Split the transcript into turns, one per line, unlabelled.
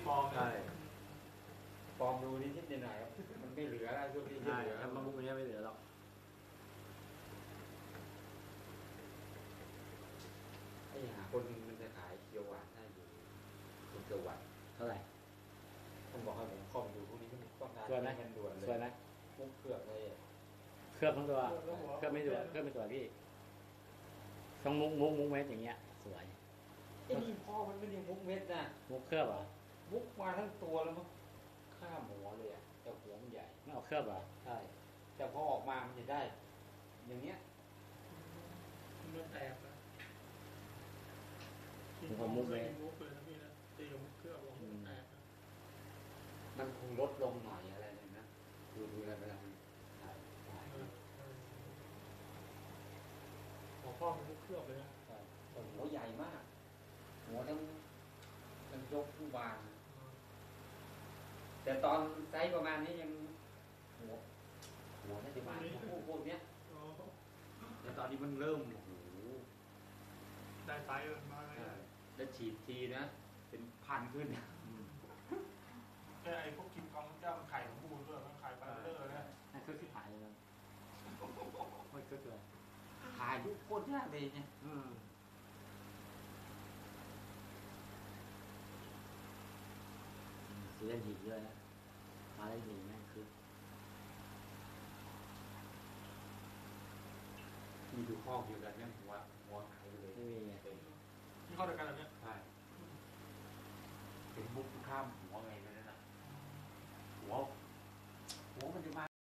ปลอม
ใช่ปลอมดูนิดหน่อยครับมันไม่เหลือแล้วช่วงนี้ไม่เหลือ
ถ้ามามุกนี้ไม่เหลือหรอก
ไอ้หาคนมันจะขายเขียวหวานได้อยู่คุณเขียวหวาน
เท่าไหร่
ต้องบอกให้ผมเข้าไปดูพวกนี้ต้องการเงินด่วนเลย
สวยไหม
มุกเคลือบเลย
เคลือบทั้งตัวเคลือบไม่ตัวเคลือบไม่ตัวพี่ต้องมุกเม็ดอย่างเงี้ยสวย
ไอ้นี่พ่อมันไม่ได้มุกเม็ดนะ
มุกเคลือบเหรอ
มุกมาทั้งตัวแล้วมันข้ามหัวเลยอ่ะแต่หัวมันใหญ่
ไม่เอาเคลือบเหรอ
ใช่แต่พอออกมามันจะได้อย่างเนี้ย
มันแตกนะ
ผมมุกเลย
มุกเลยนะพี่นะตีกับมุกเครื่องบอกมันแตกนะ
มันคงลดลงหน่อยอะไรเลยนะดูอะไรเวลามันถ่าย
ของพ่อเป็นมุกเครื่องเลยนะ
ใช่หัวใหญ่มากหัวทั้งยกผู้บานแต่ตอนไซส์ประมาณนี้ยังหัวน่าจะมาพวกเนี้ยแต่ตอนนี้มันเริ่มโอ้โห
ได้ไซส์มาเลย
แล้วฉีดทีนะเป็นพันขึ้น
แค่ไอ้พวกกินกองเจ้ามันไข่ของบูนด้วยมันไข่ปลาเตอร์เนี่ย
นั่นคือที่ถ่ายเลยนะไม่คือเลย
ถ่ายทุกคนยากเลยเนี่ย
สีเล่นหินด้วยนะมาเล่นหินนั่นคือ
มีดูข้อเดียวกันเนี่ยหัวหายไปเลย
ไม่มี
ที่เข้าด้วยกันแบบนี้
ใช่เป็นมุกข้ามหัวไงนั่นน่ะหัวมันจะมา